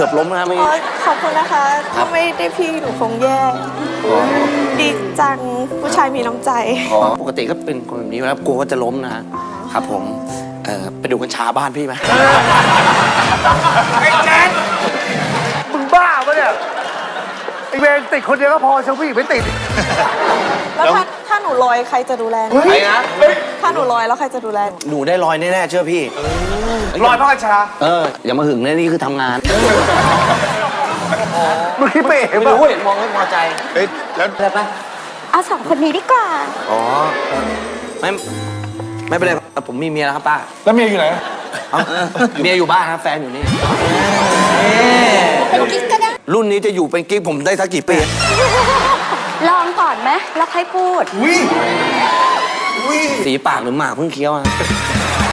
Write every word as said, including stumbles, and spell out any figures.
กือบล้มนะเมื่ออ๋กี้อขอบคุณนะคะถ้าไม่ได้พี่หนูคงแย่ดีจังผู้ชายมีน้ำใจปกติก็เป็นคนแบบนี้แล้วกลัวว่าจะล้มนะฮะครับผมเอ่อไปดูกัญชาบ้านพี่ไหมไอ้แจ๊ดมึงบ้าปะเนี่ยไอ้เวรติดคนเดียวก็พอเชลฟี่ไม่ติดแล้วถ้าถ้าหนูลอยใครจะดูแลหนูใครนะถ้าหนูลอยแล้วใครจะดูแลหนูหนูได้ลอยแน่ๆเชื่อพี่ลอยพระกัญชาเอออย่ามาหึงนะนี่คือทำงานมึงคิดไปเองไม่ปะรู้เห็นมองไม่พอใจเฮ้ยแล้วได้ปะเอาสองคนนี้ดีกว่าอ๋อไม่ไม่เป็นไรครับผมมีเมียแล้วครับป้าแล้วเมียอยู่ไหนเอ้าเมียอยู่บ้านครับแฟนอยู่นี่เป็นกิ๊กก็ได้รุ่นนี้จะอยู่เป็นกิ๊กผมได้สักกี่ปีลองก่อนไหมแล้วค่อยพูดอุ้ยอุ้ยสีปากหรือหมากเพิ่งเคี้ยวอะ